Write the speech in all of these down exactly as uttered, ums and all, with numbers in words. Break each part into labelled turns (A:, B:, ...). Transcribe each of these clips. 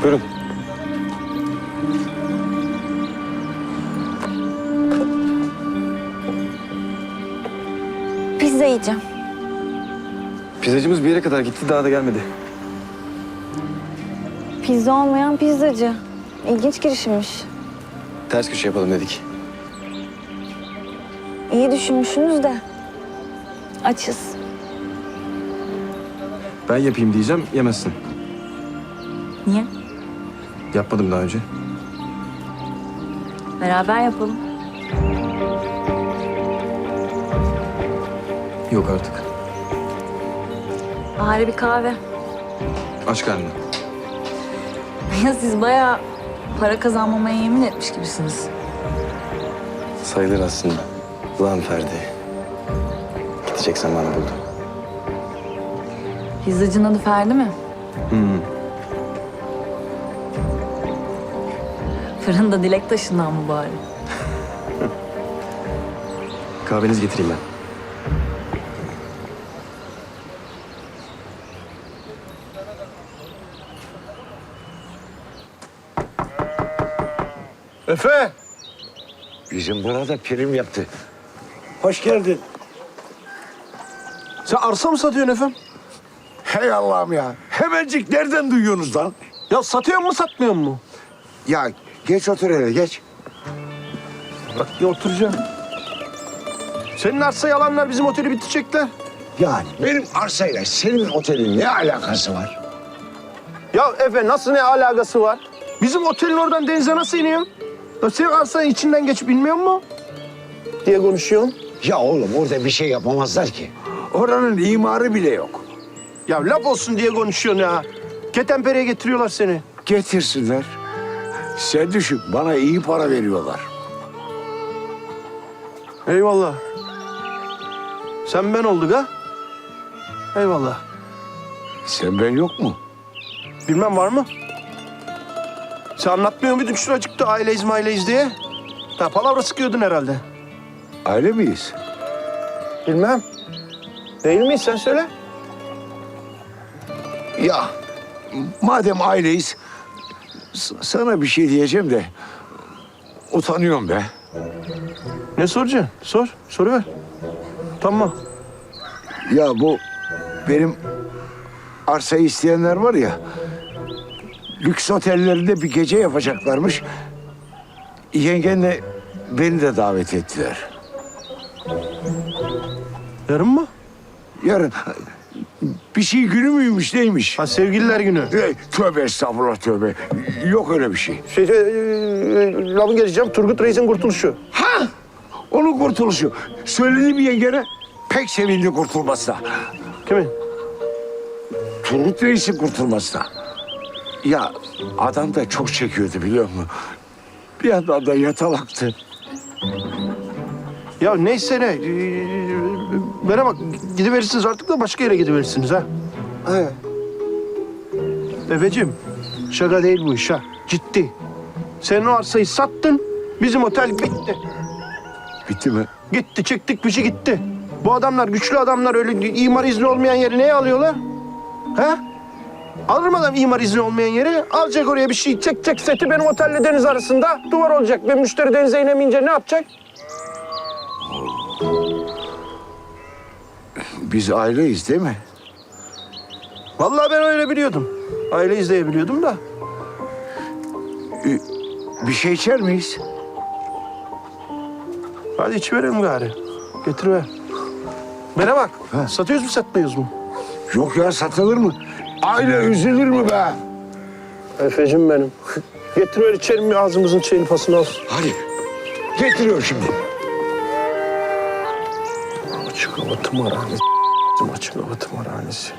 A: Buyurun.
B: Pizza yiyeceğim.
A: Pizzacımız bir yere kadar gitti, daha da gelmedi.
B: Pizza olmayan pizzacı. İlginç girişimmiş.
A: Ters köşe yapalım dedik.
B: İyi düşünmüşsünüz de. Açız.
A: Ben yapayım diyeceğim, yemezsin.
B: Niye?
A: Yapmadım daha önce.
B: Beraber yapalım.
A: Yok artık.
B: Bari bir kahve.
A: Aç karnını.
B: Ya siz bayağı para kazanmamaya yemin etmiş gibisiniz.
A: Sayılır aslında. Lan Ferdi. Gidecek zamanı buldu.
B: Pizzacının adı Ferdi mi?
A: Hı hı.
B: Fırında dilek taşından mı bari?
A: Kahvenizi getireyim ben.
C: Efe!
D: Bizim burada prim yaptı. Hoş geldin.
C: Sen arsa mı satıyorsun efendim?
D: Hey Allah'ım ya. Hemencik nereden duyuyorsunuz lan?
C: Ya satıyor mu satmıyor mu?
D: Ya geç otur hele geç.
C: Bak ya oturacağım. Senin arsayı alanlar bizim oteli bitirecekler.
D: Yani benim arsayla senin otelin ne alakası var?
C: Ya Efe nasıl ne alakası var? Bizim otelin oradan denize nasıl iniyor? Ya senin arsanın içinden geçip bilmiyor mu? Diye konuşuyorsun.
D: Ya oğlum orada bir şey yapamazlar ki. Oranın imarı bile yok.
C: Ya laf olsun diye konuşuyorsun ya. Ketenpere'ye getiriyorlar seni.
D: Getirsinler. Sen düşün bana iyi para veriyorlar.
C: Eyvallah. Sen ben olduk ha? Eyvallah.
D: Sen ben yok mu?
C: Bilmem var mı? Sen anlatmıyor muydun şuracıkta aileyiz maileyiz diye? Ha palavra sıkıyordun herhalde.
D: Aile miyiz?
C: Bilmem. Değil miyiz sen söyle.
D: Ya madem aileyiz s- sana bir şey diyeceğim de utanıyorum be.
C: Ne soracaksın? Sor. Soru ver. Tamam.
D: Ya bu benim arsayı isteyenler var ya, lüks otellerinde bir gece yapacaklarmış. Yengenle beni de davet ettiler.
C: Yarın mı?
D: Yarın bir şey günü müymüş neymiş?
C: Ha sevgililer günü.
D: Ey, tövbe estağfurullah tövbe. Yok öyle bir şey.
C: Şey, şey, e, lafın geleceğim. Turgut Reis'in kurtuluşu.
D: Ha! Onun kurtuluşu. Söyledi mi yengene? Pek sevindi kurtulmasına.
C: Kimin?
D: Turgut Reis'in kurtulmasına. Ya adam da çok çekiyordu biliyor musun? Bir yandan da yatalaktı.
C: Ya neyse ne. Ee, Bana bak gidiverirsiniz artık da başka yere gidiverirsiniz ha.
D: He.
C: Efeciğim şaka değil bu iş ha. Ciddi. Sen o arsayı sattın. Bizim otel bitti.
D: Bitti mi?
C: Gitti çıktık pişi gitti. Bu adamlar güçlü adamlar öyle imar izni olmayan yeri neye alıyorlar? Ha? Alır mı adam imar izni olmayan yeri? Alacak oraya bir şey çekecek seti benim otelle deniz arasında duvar olacak ve müşteri denize inemeyince ne yapacak?
D: Biz aileyiz değil mi?
C: Vallahi ben öyle biliyordum. Aile izleyebiliyordum da.
D: Bir şey içer miyiz?
C: Hadi iç verelim gari. Getir ver. Bana bak.
D: Ha.
C: Satıyoruz mu satmıyoruz mu?
D: Yok ya satılır mı? Aile üzülür mü be?
C: Efecim benim. Getir ver içelim bir ağzımızın çayını pasını al.
D: Hadi. Getiriyorum şimdi.
C: Açık hava tımarhanesi. Açık hava tımarhanesi.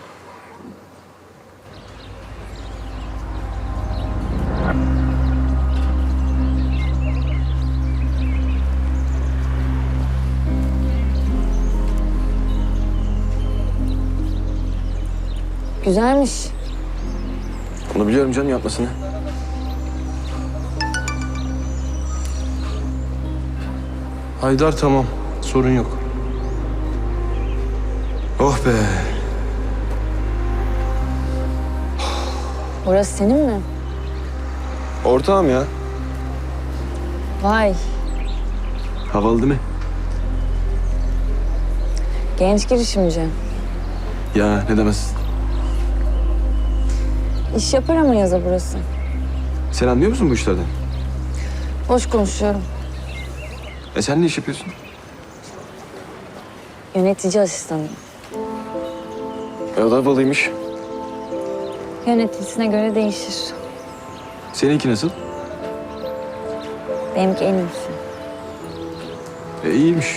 B: Güzelmiş.
A: Onu biliyorum canım, yapmasını.
E: Haydar tamam. Sorun yok.
A: Oh be.
B: Orası senin mi?
A: Ortağım ya.
B: Vay,
A: Havalı değil mi?
B: genç girişimci.
A: Ya ne demezsin.
B: İş yapar ama yaza burası.
A: Sen anlıyor musun bu işlerden?
B: Boş konuşuyorum.
A: E sen ne iş yapıyorsun?
B: Yönetici asistanı.
A: E o da havalıymış.
B: Yöneticisine göre değişir.
A: Seninki nasıl?
B: Benimki en iyisi.
A: E iyiymiş.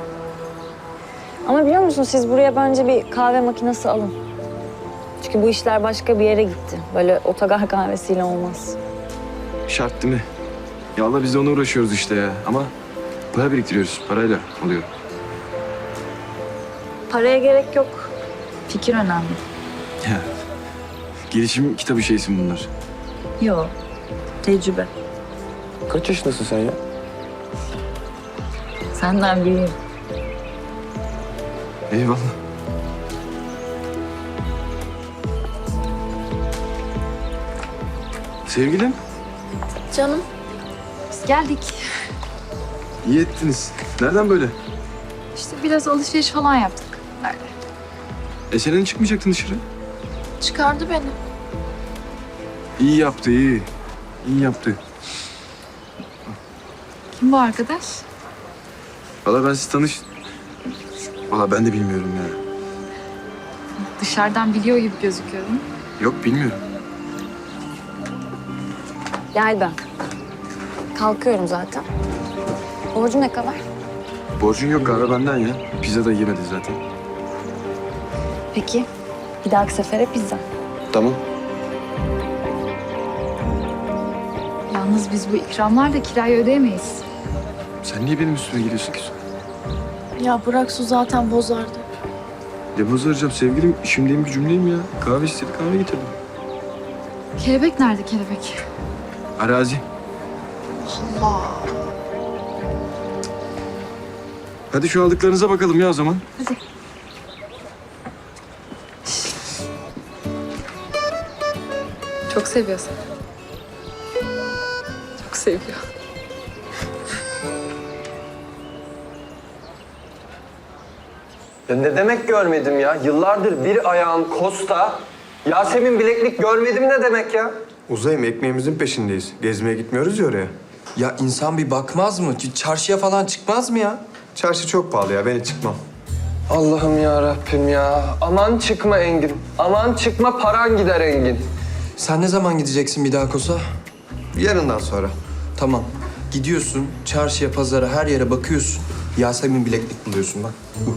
B: Ama biliyor musun siz buraya bence bir kahve makinesi alın. Çünkü bu işler başka bir yere gitti. Böyle otogar kahvesiyle olmaz.
A: Şart değil mi? Ya Allah biz de ona uğraşıyoruz işte ya. Ama para biriktiriyoruz. Parayla oluyor.
B: Paraya gerek yok. Fikir önemli.
A: Ya. Gelişim kitabı şeysin bunlar.
B: Yok. Tecrübe.
A: Kaç yaşındasın sen ya?
B: Senden büyüğüm.
A: Eyvallah. Sevgilim,
F: Canım, biz geldik.
A: iyi ettiniz. Nereden böyle?
F: İşte biraz alışveriş falan yaptık. Öyle.
A: E senin çıkmayacaktın dışarı.
F: Çıkardı beni.
A: İyi yaptı, iyi. İyi yaptı.
F: Kim bu arkadaş?
A: Valla ben siz tanış... Valla ben de bilmiyorum ya.
F: Dışarıdan biliyor gibi gözüküyorum.
A: Yok bilmiyorum.
B: Gel ben. Kalkıyorum zaten. Borcu ne kadar?
A: Borcun yok kahve benden ya. Pizza da yemedi zaten.
B: Peki. Bir dahaki sefere pizza.
A: Tamam.
F: Yalnız biz bu ikramlarla kirayı ödeyemeyiz.
A: Sen niye benim üstüme geliyorsun ki?
G: Ya bırak su zaten bozardı.
A: Ne bozaracağım sevgilim? İşimdeyim gücümdeyim ya. Kahve istedi kahve getirdim.
F: Kelebek nerede kelebek?
A: Arazi.
F: Allah.
A: Hadi şu aldıklarınıza bakalım ya o zaman.
F: Hadi. Çok seviyorsun. Çok seviyor.
H: Ya ne demek görmedim ya? Yıllardır bir ayağım Costa, Yasemin bileklik görmedim ne demek ya?
I: Uzayım, ekmeğimizin peşindeyiz. Gezmeye gitmiyoruz ya oraya.
J: Ya insan bir bakmaz mı? Çarşıya falan çıkmaz mı ya?
I: Çarşı çok pahalı ya, ben hiç çıkmam.
H: Allah'ım ya Rabbim ya. Aman çıkma Engin. Aman çıkma paran gider Engin.
J: Sen ne zaman gideceksin bir daha Kosa?
I: Yarından sonra.
J: Tamam. Gidiyorsun, çarşıya, pazara, her yere bakıyorsun. Yasemin bileklik buluyorsun bak. Bu.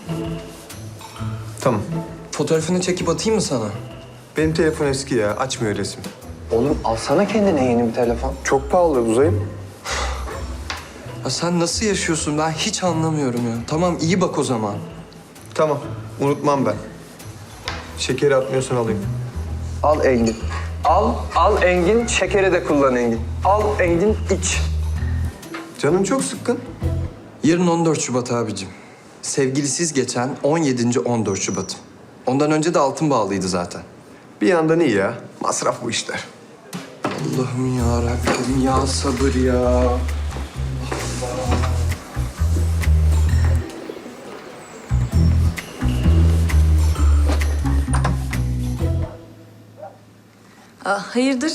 I: Tamam.
J: Fotoğrafını çekip atayım mı sana?
I: Benim telefon eski ya, açmıyor resim.
H: Oğlum alsana kendine yeni bir telefon.
I: Çok pahalı Uzayım.
J: Ya sen nasıl yaşıyorsun? Ben hiç anlamıyorum ya. Tamam, iyi bak o zaman.
I: Tamam, unutmam ben. Şekeri atmıyorsan alayım.
H: Al Engin. Al, al Engin. Şekeri de kullan Engin. Al Engin iç.
I: Canın çok sıkkın.
J: Yarın on dört Şubat abicim. Sevgilisiz geçen on yedinci on dört Şubat'ım. Ondan önce de altın bağlıydı zaten.
I: Bir yandan iyi ya. Masraf bu işler.
J: Allah'ım ya Rabbim ya sabır ya.
B: Aa, hayırdır?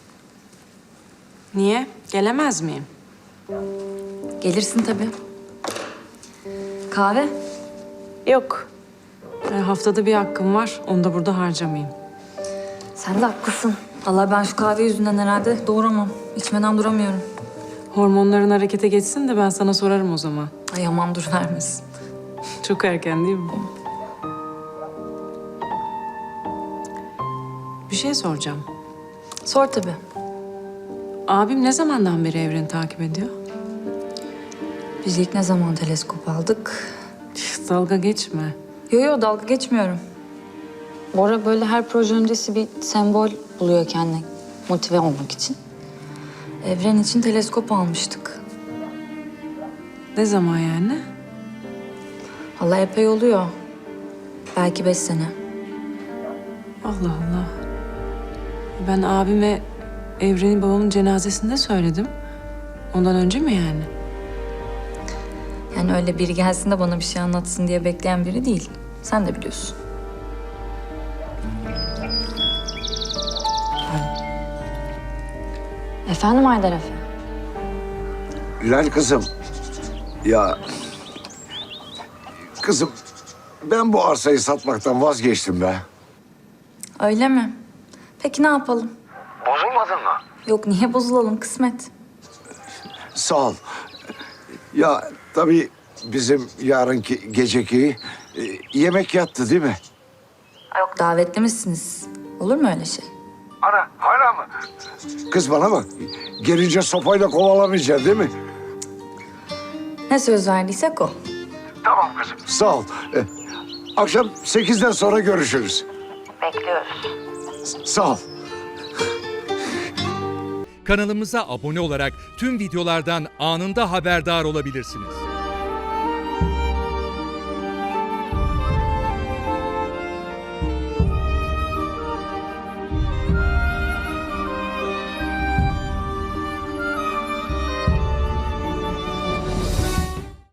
K: Niye? Gelemez miyim?
B: Gelirsin tabii. Kahve?
K: Yok. E, haftada bir hakkım var. Onu da burada harcamayayım.
B: Sen de haklısın. Allah ben şu kahve yüzünden herhalde doğuramam. İçmeden duramıyorum.
K: Hormonların harekete geçsin de ben sana sorarım o zaman.
B: Ay aman dur vermesin.
K: Çok erken değil mi? Bir şey soracağım.
B: Sor tabii.
K: Abim ne zamandan beri evreni takip ediyor?
B: Biz ilk ne zaman teleskop aldık?
K: Dalga geçme.
B: Yo yo dalga geçmiyorum. Bora böyle her proje öncesi bir sembol buluyor kendine motive olmak için. Evren için teleskop almıştık.
K: Ne zaman yani?
B: Vallahi epey oluyor. Belki beş sene.
K: Allah Allah. Ben abime Evren'i babamın cenazesinde söyledim. Ondan önce mi yani?
B: Yani öyle biri gelsin de bana bir şey anlatsın diye bekleyen biri değil. Sen de biliyorsun. Efendim Haydar Efe?
D: Hilal kızım. Ya... Kızım, ben bu arsayı satmaktan vazgeçtim be.
B: Öyle mi? Peki ne yapalım?
D: Bozulmadın mı?
B: Yok niye bozulalım kısmet.
D: Sağ ol. Ya tabii bizim yarınki geceki e, yemek yattı değil mi?
B: Yok davetli misiniz? Olur mu öyle şey?
D: Ana hala mı? Kız bana bak. Gelince sopayla kovalamayacaksın değil mi?
B: Ne söz verdiysek o.
D: Tamam kızım. Sağ ol. E, akşam sekizden sonra görüşürüz.
B: Bekliyoruz.
D: Sağ ol.
L: Kanalımıza abone olarak tüm videolardan anında haberdar olabilirsiniz.